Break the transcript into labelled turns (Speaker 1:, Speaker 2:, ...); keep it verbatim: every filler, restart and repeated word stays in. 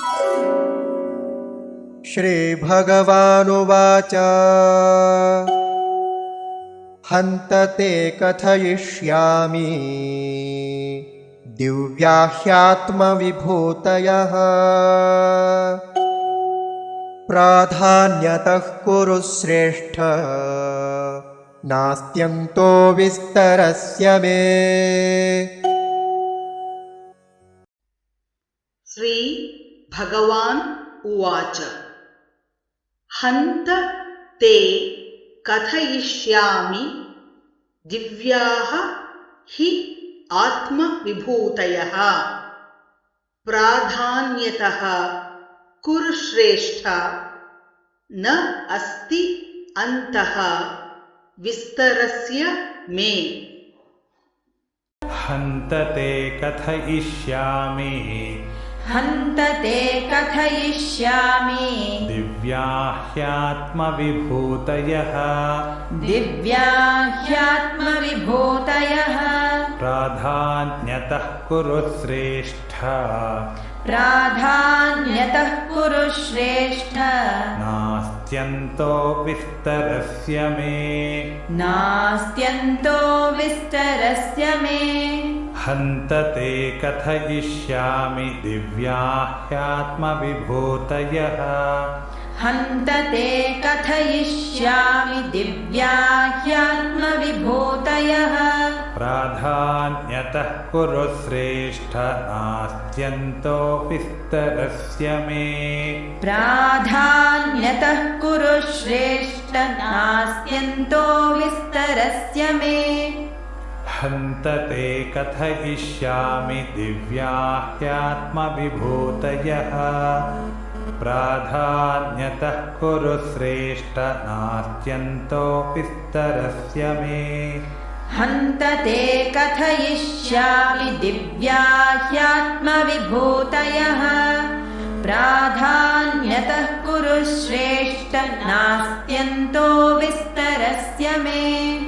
Speaker 1: श्रीभगवानुवाच हन्त ते कथयिष्यामि दिव्या ह्यात्मविभूतयः प्राधान्यतः कुरु श्रेष्ठ नास्त्यन्तो विस्तरस्य मे।
Speaker 2: श्री भगवान् उवाच हन्त ते कथयिष्यामि दिव्याः हि आत्मविभूतयः प्राधान्यतः कुरु श्रेष्ठ न अस्ति अन्तः विस्तरस्य मे।
Speaker 3: हन्त ते कथयिष्यामि
Speaker 4: हन्त ते कथयिष्यामि
Speaker 3: दिव्या ह्यात्मविभूतयः
Speaker 4: दिव्या ह्यात्मविभूतयः
Speaker 3: प्राधान्यतः कुरु श्रेष्ठ
Speaker 4: प्राधान्यतः कुरु श्रेष्ठ
Speaker 3: नास्त्यन्तो विस्तरस्य मे
Speaker 4: नास्त्यन्तो विस्तरस्य मे।
Speaker 3: हन्त ते कथयिष्यामि दिव्या ह्यात्मविभूतयः
Speaker 4: हन्त ते कथयिष्यामि दिव्या ह्यात्मविभूतयः
Speaker 3: प्राधान्यतः कुरु श्रेष्ठ नास्त्यन्तो विस्तरस्य मे।
Speaker 4: प्राधान्यतः कुरु श्रेष्ठ नास्त्यन्तो विस्तरस्य मे।
Speaker 3: हन्त ते कथयिष्यामि दिव्या ह्यात्मविभूतयः प्राधान्यतः कुरु श्रेष्ठ नास्त्यन्तो विस्तरस्य मे।
Speaker 4: हन्त ते कथयिष्यामि दिव्या ह्यात्मविभूतयः प्राधान्यतः कुरु श्रेष्ठ नास्त्यन्तो विस्तरस्य मे।